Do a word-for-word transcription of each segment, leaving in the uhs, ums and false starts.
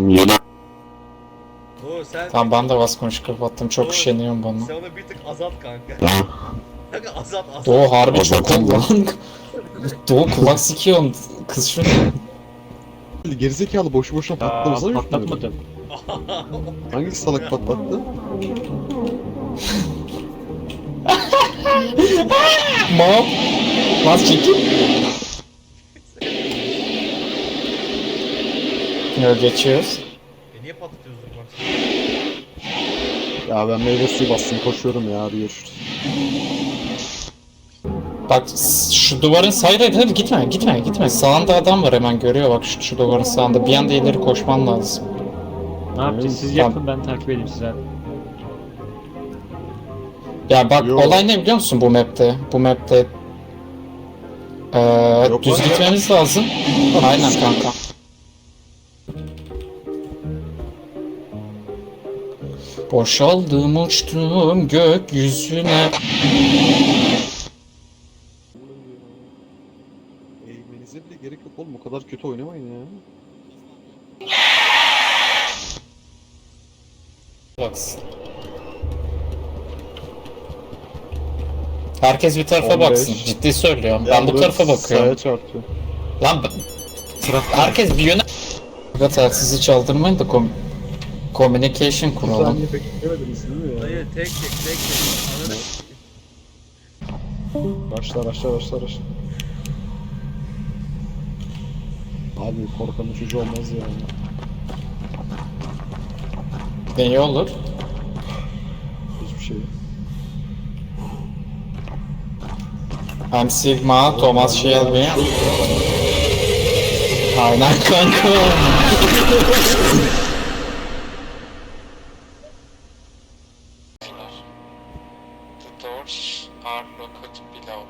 Tamam yeni. Doğru sen Tamam ben de bas konuş kapattım. Çok Doğru. üşeniyorum bana. sen onu bir tık azalt kanka. Tamam. Kanka azalt azalt. Doğu harbi O çok zaten oldu lan. Doğu kulak sikiyorsun. Kız şunu. Gerizekalı boşu boşuna patlamasana Aa, yutmuyor. patlatmadım. Hangi salak patlattı? Mom. Bas çekil. Yo geçiyoruz. E niye patlatıyorsun bak? Ya ben meyve suyu bastım koşuyorum ya, hadi görüşürüz. Bak şu duvarın sayıda hadi gitme gitme gitme. Sağında adam var hemen görüyor bak şu, şu duvarın sağında. Bir anda ileri koşman lazım. Ne yapacağız? Siz Tamam. yapın, ben takip edeyim size. Ya bak Yo. olay ne biliyor musun bu map'te? Bu map'te ee, Yok düz lan. gitmemiz lazım. Aynen kanka. Boşaldım uçtum gökyüzüne. Eğmenize bile gerek yok oğlum, o kadar kötü oynamayın ya. Baksın. Herkes bir tarafa on beş. baksın. Ciddi söylüyorum. Ben bu tarafa Sağa bakıyorum. çarptı. Lan ben- herkes bir yöne... Ya telsizi çaldırmayın da kom communication Bir kuralım. saniye beklemediniz değil mi ya? Dayı tek tek tek tek. Ananı Başla başla başla başla. Abi korkanın çocuğu olmaz yani. Ne olur? Hiçbir şey. I'm Sigma, Thomas Shelby. Aynen kanka. The doors are locked below.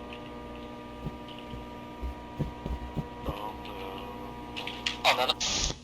Ananı.